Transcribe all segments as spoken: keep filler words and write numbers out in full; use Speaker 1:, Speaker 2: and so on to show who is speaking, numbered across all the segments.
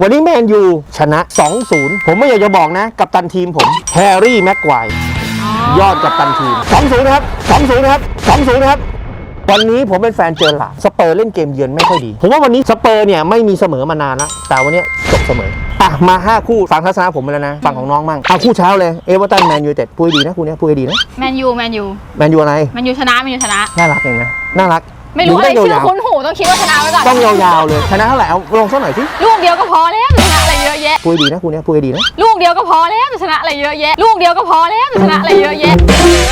Speaker 1: วันนี้แมนยูชนะ สองศูนย์ ผมไม่อยากจะบอกนะกัปตันทีมผมแฮร์รี่แม็กไกวร์ยอดกัปตันทีม สองศูนย์ นะครับ สองศูนย์ นะครับ สองศูนย์ นะครับวันนี้ผมเป็นแฟนเจอร์ลาร์ดสเปอร์เล่นเกมเยือนไม่ค่อยดีผมว่าวันนี้สเปอร์เนี่ยไม่มีเสมอมานานแล้วแต่วันนี้จบเสมออ่ะมาห้าคู่ฟังทัศนะผมไปแล้วนะฟังของน้องมั่งเอาคู่เช้าเลยเอเวอร์ตันแมนยูเต็ดพูดดีนะคู่นี้พูดดีนะ
Speaker 2: แมนยูแมนยู
Speaker 1: แมนยูอะไร
Speaker 2: แมนยูชนะแมนยูชนะ
Speaker 1: น่ารักเองนะน่ารัก
Speaker 2: ไม่รู้อะไรชื่อคุ้นหูต้องคิดว่าชนะไว้ก่อน
Speaker 1: ต้องยาวๆเลยชนะเท่าไหร่เอาลงสักหน่อยสิ
Speaker 2: ลูกเดียวก็พอแล้วชนะอะไรเยอะแยะ
Speaker 1: พูดดีนะคู่นี้พูดดีนะ
Speaker 2: ลูกเดียวก็พอแล้วชนะอะไรเยอะแยะลูกเดียวก็พอแล้วชนะอะไรเยอะแยะ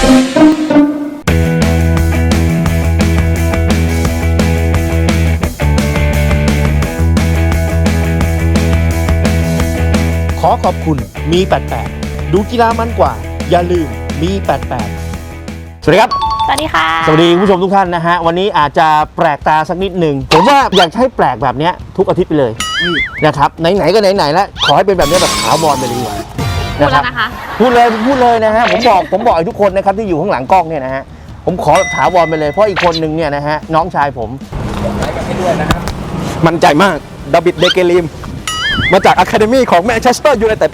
Speaker 1: ขอขอบคุณมีแปดแปดดูกีฬามันกว่าอย่าลืมมีแปดแปดสวัสดีครับ
Speaker 2: สวัสดีค่ะ
Speaker 1: สวัสดีผู้ชมทุกท่านนะฮะวันนี้อาจจะแปลกตาสักนิดหนึ่งผมว่าอยากให้แปลกแบบนี้ทุกอาทิตย์ไปเลยนะครับไหนๆก็ไหนๆแล้วขอให้เป็นแบบนี้แบบขาวบอลไปเลยดีกว่า
Speaker 2: พูดแล้วนะคะ
Speaker 1: พูดเลยพูดเลยนะฮะผมบอกผมบอกให้ทุกคนนะครับที่อยู่ข้างหลังกล้องเนี่ยนะฮะผมขอถาวรไปเลยเพราะอีกคนนึงเนี่ยนะฮะน้องชายผมไลค์กันให้ด้วยนะครับมั่นใจมากดาวิดเดเกลิมมาจากอะคาเดมี่ของแมนเชสเตอร์ยูไนเต็ด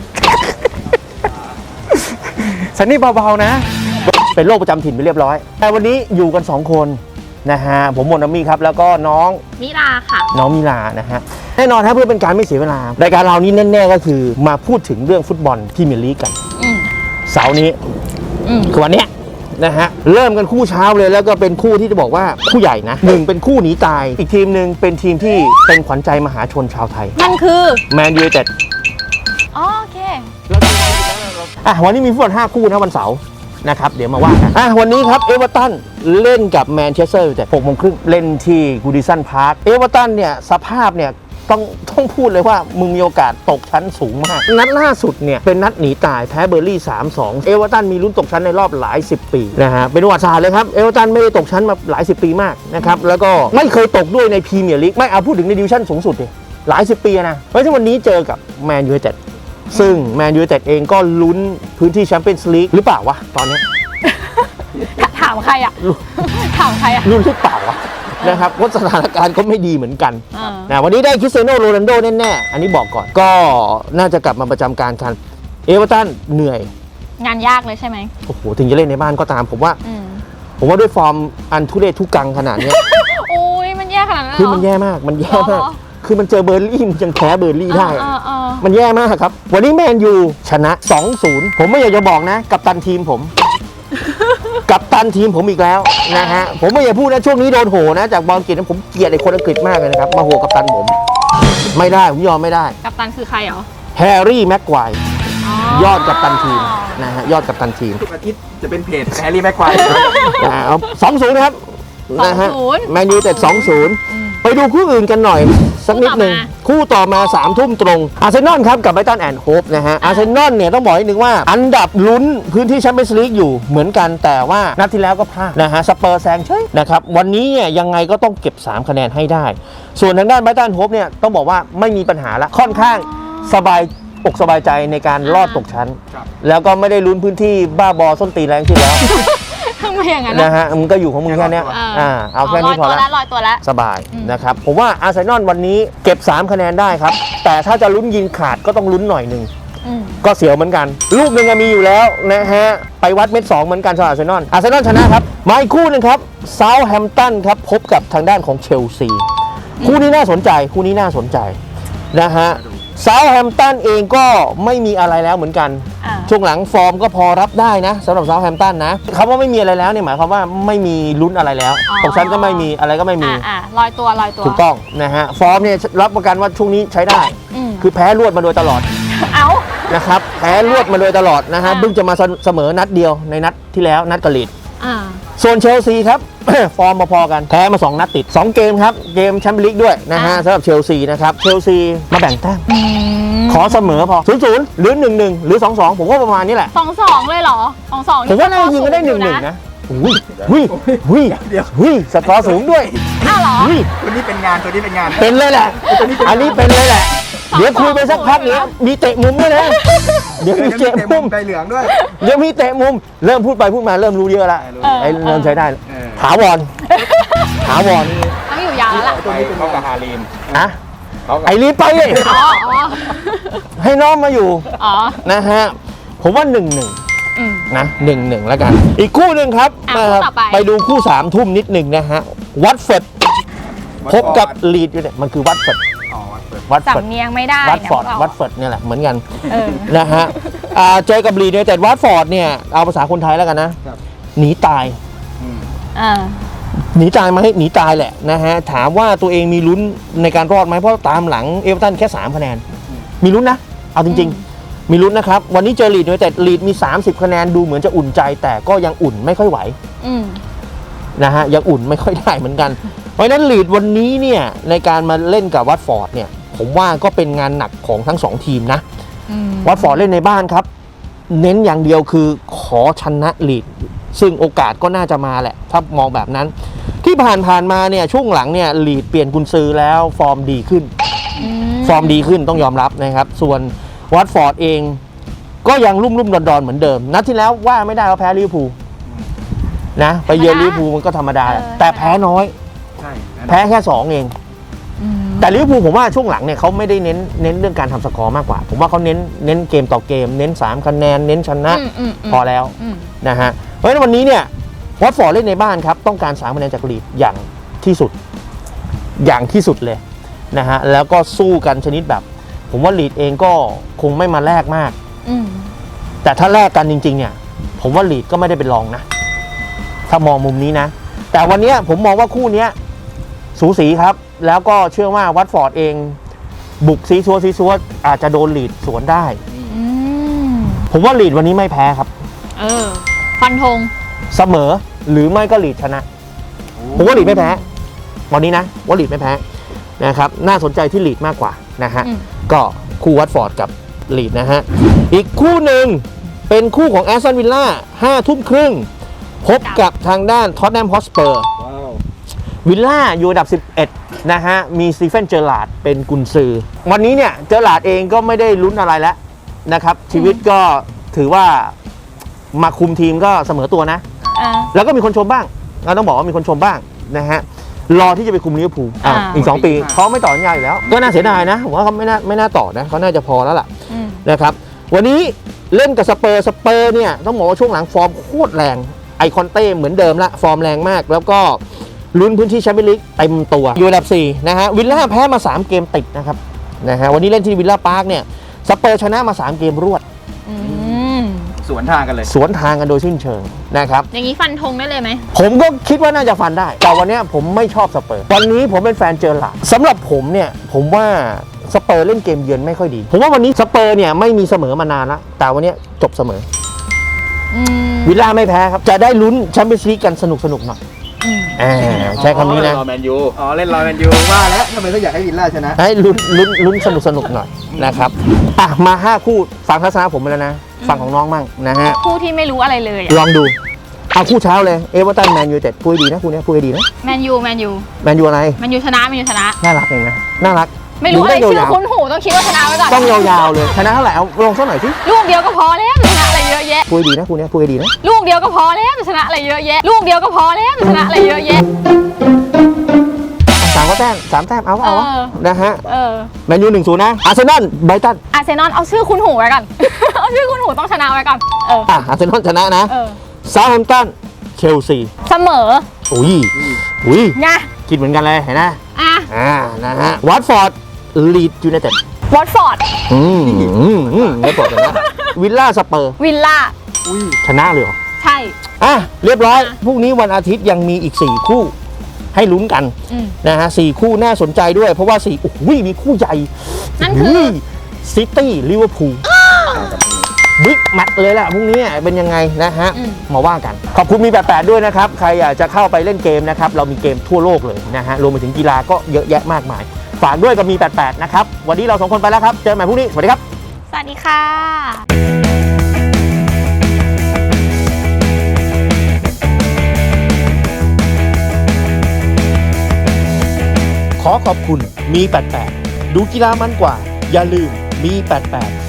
Speaker 1: สันนี่เบาๆนะเป็นโรคประจำถิ่นไปเรียบร้อยแต่วันนี้อยู่กันสองคนนะฮะผมมนต์มี่ครับแล้วก็น้อง
Speaker 2: มิลาค่ะ
Speaker 1: น้องมิลานะฮะแน่นอนครับเพื่อเป็นการไม่เสียเวลารายการเรานี้แน่ๆก็คือมาพูดถึงเรื่องฟุตบอลพรีเมียร์ลีกกันเสาร์นี้คือวันเนี้ยนะฮะเริ่มกันคู่เช้าเลยแล้วก็เป็นคู่ที่จะบอกว่าคู่ใหญ่นะหนึ่งเป็นคู่หนีตายอีกทีมหนึ่งเป็นทีมที่เป็นขวัญใจมหาชนชาวไทย
Speaker 2: มันคือ
Speaker 1: แมนยูไนเต็ด
Speaker 2: โอเค
Speaker 1: อ่ะวันนี้มีฟุตบอลห้าคู่นะวันเสาร์นะครับเดี๋ยวมาว่ากันอ่ะวันนี้ครับเอเวอร์ตันเล่นกับแมนเชสเตอร์ยูไนเต็ดหกโมงครึ่งเล่นที่กูดิสันพาร์คเอเวอร์ตันเนี่ยสภาพเนี่ยต้องต้องพูดเลยว่ามึงมีโอกาสตกชั้นสูงมากนัดล่าสุดเนี่ยเป็นนัดหนีตายแพ้เบอร์ลี่ สามสอง เอเวอร์ตันมีลุ้นตกชั้นในรอบหลายสิบปีนะฮะเป็นประวัติศาสตร์เลยครับเอเวอร์ตันไม่ได้ตกชั้นมาหลายสิบปีมากนะครับแล้วก็ไม่เคยตกด้วยในพรีเมียร์ลีกไม่เอาพูดถึงในดิวิชั่นสูงสุดดิหลายสิบปีนะเพราะฉะนั้นวันนี้เจอกับแมนยูไนเต็ดซึ่งแมนยูไนเต็ดเองก็ลุ้นพื้นที่แชมเปี้ยนส์ลีกหรือเปล่าวะตอนนี้
Speaker 2: ถามใครอ่ะถามใครอ่ะ
Speaker 1: ลุ้นหรือเปล่าวะนะครับเพราะสถานการณ์ก็ไม่ดีเหมือนกันนะวันนี้ได้คริสเตียโนโรนัลโดแน่ๆอันนี้บอกก่อนก็น่าจะกลับมาประจำการกันเอเวอร์ตันเหนื่อย
Speaker 2: งานยากเลยใช่ไหม
Speaker 1: โอ้โหถึงจะเล่นในบ้านก็ตามผมว่าผมว่าด้วยฟอร์มอันทุเรศทุกังขนาดนี้
Speaker 2: โอ้ยมันแย่ขนาดนั้นเหรอ
Speaker 1: คือมันแย่มากมันแย่มากคือมันเจอเบอร์ลี่มันยังแพ้เบอร์ลี่ได้มันแย่มากครับวันนี้แมนยูชนะ สองศูนย์ ผมไม่อยากจะบอกนะกัปตันทีมผมกัปตันทีมผมอีกแล้วนะฮะผมไม่อยากพูดนะช่วงนี้โดนโหนะจากบอลอังกฤษนะผมเกลียดไอ้คนอังกฤษมากเลยนะครับมาโหกัปตันผมไม่ได้ผมยอมไม่ได้
Speaker 2: กัปตันคือใครเหรอ
Speaker 1: แฮร์รี่แม็กไกวร์ยอดกัปตันทีมนะฮะยอดกัปตันทีม
Speaker 3: ทุกอาทิตย์จะเป็นเพจแฮร์รี่แม็กไกวร์
Speaker 1: เอาสองศูนย์นะครับนะฮะแมนยูแต่สองศูนย์ไปดูคู่อื่นกันหน่อยสักนิดหนึ่งคู่ต่อมาสามทุ่มตรงอาร์เซนอลครับกับไบรตันแอนด์โฮปนะฮะอาร์เซนอลเนี่ยต้องบอกนิดนึงว่าอันดับลุ้นพื้นที่แชมเปี้ยนส์ลีกอยู่เหมือนกันแต่ว่านัดที่แล้วก็พลาดนะฮะสเปอร์แซงเฉยนะครับวันนี้เนี่ยยังไงก็ต้องเก็บสามคะแนนให้ได้ส่วนทางด้านไบรตันโฮปเนี่ยต้องบอกว่าไม่มีปัญหาละค่อนข้างสบายอกสบายใจในการรอดตกชั้นแล้วก็ไม่ได้ลุ้นพื้นที่บ้าบอส้นตีนแรงที่แล้ว
Speaker 2: ทำไมอย่างนั้น
Speaker 1: นะฮะมึงก็อยู่ของมึงแค่นี้อ่าเอาแค่นี้พอแล้ว
Speaker 2: ลอยตัวแล้ว
Speaker 1: สบายนะครับผมว่าอาร์เซนอลวันนี้เก็บสามคะแนนได้ครับแต่ถ้าจะลุ้นยิงขาดก็ต้องลุ้นหน่อยหนึ่งก็เสียวเหมือนกันลูกหนึ่งมีอยู่แล้วนะฮะไปวัดเม็ดสองเหมือนกันสำหรับอาร์เซนอลอาร์เซนอลชนะครับมาอีกคู่นึงครับเซาท์แฮมป์ตันครับพบกับทางด้านของเชลซีคู่นี้น่าสนใจคู่นี้น่าสนใจนะฮะเซาท์แฮมป์ตันเองก็ไม่มีอะไรแล้วเหมือนกันช่วงหลังฟอร์มก็พอรับได้นะสำหรับเซาท์แฮมป์ตันนะคำว่าไม่มีอะไรแล้วเนี่ยหมายความว่าไม่มีลุ้นอะไรแล้วตกชั้นก็ไม่มีอะไรก็ไม่มี
Speaker 2: ลอยตัวลอยตัว
Speaker 1: ถูกต้องนะฮะฟอร์มเนี่ยรับประกันว่าช่วงนี้ใช้ได้คือแพ้รวดมาโดยตลอด
Speaker 2: เอา
Speaker 1: นะครับแพ้รวดมาโดยตลอดนะฮะเพิ่งจะมาเสมอนัดเดียวในนัดที่แล้วนัดกะลีดส่วนเชลซีครับ ฟอร์มพอๆกันแพ้มาสองนัดติดสองเกมครับเกมแชมเปี้ยนลีกด้วยนะฮะสำหรับเชลซีนะครับเชลซีมาแบ่งแต้มขอเสมอพอศูนย์ศูนย์หรือหนึ่งหนึ่งหรือสองสองผมว่าประมาณนี้แหละ
Speaker 2: สองสองเลยเหรอสองสอง
Speaker 1: ผมว่าน่าจะยิงก็ได้หนึ่งหนึ่งนะหุ้ยหุ้ยหุ้ยเดี๋ยวหุ้ยสกอร์สูงด้วย
Speaker 2: อ้าวเหรอ
Speaker 3: ตัวนี้เป็นงานตัวนี้เป็นงาน
Speaker 1: เป็นเลยแหละอันนี้เป็นเลยแหละเดี๋ยวคุยไปสักพักเนี้ยมีเตะมุมด้วยนะเดี๋ยวมีเตะมุม
Speaker 3: ใบเหลืองด้วย
Speaker 1: เดี๋ยวมีเตะมุมเริ่มพูดไปพูดมาเริ่มรู้เยอะละไอ้เริ่มใช้ได้ถาวรถาวร
Speaker 2: ต้องอยู่ยาวแล้วล่ะ
Speaker 3: ตัวนี้เป็นกับฮาริม
Speaker 1: อะไอรีบไปเลย
Speaker 2: อ๋ออ๋อ
Speaker 1: ให้น้องมาอยู่
Speaker 2: อ๋อ
Speaker 1: นะฮะผมว่าหนึ่งหนึ่ง
Speaker 2: อืม
Speaker 1: นะหนึ่งหนึ่งแล้วกัน อีกคู่หนึ่งครับ
Speaker 2: อ่ะ
Speaker 1: มา
Speaker 2: คู่ต่อไป
Speaker 1: ไปดูคู่สามทุ่มนิดหนึ่งนะฮะวัตฟอร์ดพบกับลีดอยู่เนี่ยมันคือวัตฟอร์ด
Speaker 3: อ๋อวัดเปิด
Speaker 1: วัตฟอร์ด
Speaker 2: สำเนียงไม่ได้
Speaker 1: วัตฟอร์ด
Speaker 2: นะพวกเรา
Speaker 1: วัตฟอร์ดเนี่ยแหละเหมือนกัน
Speaker 2: เออ
Speaker 1: นะฮะอ่าเจอกับลีดเนี่ยแต่วัตฟอร์ดเนี่ยเอาภาษาคนไทยแล้วกันนะครับ หนีตาย
Speaker 3: อืม
Speaker 2: อ่า
Speaker 1: หนีตายไหมหนีตายแหละนะฮะถามว่าตัวเองมีลุ้นในการรอดไหมเพราะตามหลังเอเวอร์ตันแค่สามคะแนนมีลุ้นนะเอาจริง ๆ มีลุ้นนะครับวันนี้เจอลีดด้วยแต่ลีดมีสามสิบคะแนนดูเหมือนจะอุ่นใจ แต่ก็ยังอุ่นไม่ค่อยไหว
Speaker 2: อืม
Speaker 1: นะฮะยังอุ่นไม่ค่อยได้เหมือนกัน เพราะฉะนั้นลีดวันนี้เนี่ยในการมาเล่นกับวัตฟอร์ดเนี่ยผมว่าก็เป็นงานหนักของทั้งสองทีมนะ
Speaker 2: อืม
Speaker 1: วัตฟอร์ดเล่นในบ้านครับ เน้นอย่างเดียวคือขอชนะลีดซึ่งโอกาสก็น่าจะมาแหละ ถ้ามองแบบนั้น ที่ผ่านผ่านมาเนี่ยช่วงหลังเนี่ยลีดเปลี่ยนกุนซือแล้วฟอร์มดีขึ้น
Speaker 2: อืม
Speaker 1: ฟอร์มดีขึ้นต้องยอมรับนะครับ ส่วนวัตฟอร์ดเองก็ยังรุ่มรุ่มดอนดอนๆเหมือนเดิม นัดที่แล้วว่าไม่ได้ว่าแพ้ลิเวอร์พูลนะไปเยือนลิเวอร์พูลมันก็ธรรมดาแหละแต่แพ้น้อย
Speaker 3: ใช่
Speaker 1: แพ้แค่สองเอง
Speaker 2: อืม
Speaker 1: แต่ลิเวอร์พูลผมว่าช่วงหลังเนี่ยเขาไม่ได้เน้นเน้นเรื่องการทำสกอร์มากกว่า ผมว่าเขาเน้นเน้นเกมต่อเกม เน้นสามคะแนนเน้นชนะ
Speaker 2: อืมอืมม
Speaker 1: พอแล้ว
Speaker 2: อืม
Speaker 1: นะฮะเพราะฉะนั้นวันนี้เนี่ยวัตฟอร์ดเล่นในบ้านครับต้องการสามคะแนนจากลีดอย่างที่สุดอย่างที่สุดเลยนะฮะแล้วก็สู้กันชนิดแบบ ผมว่าลีดเองก็คงไม่มาแลกมาก
Speaker 2: อืม
Speaker 1: แต่ถ้าแลกกันจริงๆเนี่ยผมว่าลีดก็ไม่ได้เป็นรองนะ ถ้ามองมุมนี้นะ แต่วันนี้ผมมองว่าคู่นี้สูสีครับ แล้วก็เชื่อว่าวัตฟอร์ดเองบุกซีซัวซีซัวอาจจะโดนลีดสวนได้
Speaker 2: อืม
Speaker 1: ผมว่าลีดวันนี้ไม่แพ้ครับ
Speaker 2: เออ ฟันธง
Speaker 1: เสมอหรือไม่ก็ลีดชนะ ผมว่าลีดไม่แพ้วันนี้นะว่าลีดไม่แพ้นะครับน่าสนใจที่ลีดมากกว่านะฮะ
Speaker 2: อืม
Speaker 1: ก็คู่วัตฟอร์ดกับลีดนะฮะอีกคู่หนึ่งเป็นคู่ของแอสตันวิลล่าห้าทุ่มครึ่งพบกับทางด้านท็อตแนมฮอสเปอร์
Speaker 3: ว้าว
Speaker 1: วิลล่าอยู่อันดับสิบเอ็ดนะฮะมีสตีเฟนเจอร์ลาร์ดเป็นกุนซือวันนี้เนี่ยเจอร์ลาร์ดเองก็ไม่ได้ลุ้นอะไรแล้วนะครับชีวิตก็ถือว่ามาคุมทีมก็เสมอตัวนะ
Speaker 2: อ่า
Speaker 1: แล้วก็มีคนชมบ้างเราต้องบอกว่ามีคนชมบ้างนะฮะรอที่จะไปคุมลิเวอร์พูลอ่ะ
Speaker 2: อ่า
Speaker 1: อีกสองปีเขาไม่ต่อสัญญาอยู่แล้ว ก็น่าเสียดายนะผมว่าเขาไม่น่าไม่น่าต่อนะเขาน่าจะพอแล้วล่ะ
Speaker 2: อืม
Speaker 1: นะครับวันนี้เล่นกับสเปอร์สเปอร์เนี่ยต้องบอกว่าช่วงหลังฟอร์มโคตรแรงไอคอนเต้เหมือนเดิมละฟอร์มแรงมาก แล้วก็ลุ้นพื้นที่แชมเปี้ยนลีกเต็มตัวอยู่อันดับสี่นะฮะวิลล่าแพ้มาสามเกมติดนะครับนะฮะวันนี้เล่นที่วิลล่าพาร์คเนี่ยสเปอร์ชนะมาสามเกมรวด
Speaker 2: อืม
Speaker 3: สวนทางกันเลย
Speaker 1: สวนทางกันโดยสิ้นเชิงนะครับ
Speaker 2: อย่างนี้ฟันธงได้เลยไหม
Speaker 1: ผมก็คิดว่าน่าจะฟันได้ แต่วันเนี้ยผมไม่ชอบสเปอร์ วันนี้ผมเป็นแฟนเจอร์ลาร์ดสำหรับผมเนี่ย ผมว่าสเปอร์เล่นเกมเยือนไม่ค่อยดี ผมว่าวันนี้สเปอร์เนี่ยไม่มีเสมอมานานละแต่วันเนี้ยจบเสมอ
Speaker 2: อืม
Speaker 1: วิลล่าไม่แพ้ครับ จะได้ลุ้นแชมเปี้ยนส์ลีกกันสนุกสนุกๆหน่อย
Speaker 2: อืม
Speaker 1: อ่าใช้คำนี้นะ
Speaker 3: รอแมนยู อ๋อ เล่นรอแมนยูว่าแล้วทำไมเขาอยากให้วิลล่าชนะ
Speaker 1: ให้ลุ้นลุ้นลุ้นสนุกสนุกๆหน่อยนะครับ อ่ะ มาห้าคู่ฟังทัศนะผมไปแล้วนะ ฟังของน้องมั่งนะฮะ
Speaker 2: ผู้ที่ไม่รู้อะไรเลยอะ
Speaker 1: ลองดู เอาคู่เช้าเลย เอเวอร์ตันแมนยูเต็ดพูดดีนะคู่เนี้ยพูดดีนะ
Speaker 2: แมนยูแมนยู
Speaker 1: แมนยูอะไร
Speaker 2: แมนยูชนะแมนยูชนะ
Speaker 1: น่ารักเองนะ น่ารัก
Speaker 2: ไม่รู้อะไร
Speaker 1: ดู
Speaker 2: ชื่
Speaker 1: ด้
Speaker 2: อย
Speaker 1: าวๆ
Speaker 2: คุ้นหูต้องคิดว่าชนะไว้ก่อน
Speaker 1: ต้องยาวๆเลยชนะเท่าไหร่เอาลงสักหน่อยสิ
Speaker 2: ลูกเดียวก็พอแล้วจะชนะอะไรเยอะแยะ
Speaker 1: พูดดีนะคุณเนี่ยพูดดีนะ
Speaker 2: ลูกเดียวก็พอแล้วจะชนะอะไรเยอะแยะ ลูกเดียวก็พอแล้วจะชนะอะไรเยอะแยะ
Speaker 1: สามก็แต้มสามแต้มเอาก็เอาวะ
Speaker 2: เออ
Speaker 1: นะฮะ
Speaker 2: เออ
Speaker 1: แมนยูหนึ่งศูนย์นะอาร์เซนอลไบรตัน
Speaker 2: อาร์เซนอลเอาชื่อคุ้นหูไว้ก่อน เอาชื่อคุ้นหูต้องชนะไว้ก่อน เออ
Speaker 1: อ่ะอาร์เซนอลชนะนะ
Speaker 2: เออ
Speaker 1: เซาท์แฮมป์ตันเชลซี
Speaker 2: เสมอ
Speaker 1: อุ้ยอุ้ย
Speaker 2: ไง
Speaker 1: คิดเหมือนกันเลยเห็นไหม
Speaker 2: อ่ะ
Speaker 1: อ่านะฮะวัตฟอร์ดลีดยูไนเต็ด
Speaker 2: วอตฟอร์ด
Speaker 1: อืมอืมอืมไม่ปลดเลยนะวิลล่าสเปอร์
Speaker 2: วิลล่า
Speaker 3: อุ้ย
Speaker 1: ชนะเลยเหรอ
Speaker 2: ใช่
Speaker 1: อ่ะเรียบร้อยพรุ่งนี้วันอาทิตย์ยังมีอีกสี่คู่ให้ลุ้นกัน
Speaker 2: อืม
Speaker 1: นะฮะสี่คู่น่าสนใจด้วย เพราะว่าสี่โอ้โหมีคู่ใหญ่
Speaker 2: นั่นคือ
Speaker 1: ซิตี้ลิเวอร์พูลบิ๊กแมตช์เลยแหละพรุ่งนี้เป็นยังไงนะฮะ
Speaker 2: อืม
Speaker 1: มาว่ากัน ขอบคุณมีแปดแปดด้วยนะครับ ใครอยากจะเข้าไปเล่นเกมนะครับ เรามีเกมทั่วโลกเลยนะฮะรวมไปถึงกีฬาก็เยอะแยะมากมาย ฝากด้วยกับมีแปดแปดนะครับ วันนี้เราสองคนไปแล้วครับ เจอกันใหม่พรุ่งนี้ สวัสดีครับ
Speaker 2: สวัสดีค่ะ
Speaker 1: ขอขอบคุณมีแปดแปดดูกีฬามันกว่า อย่าลืมมีแปดแปด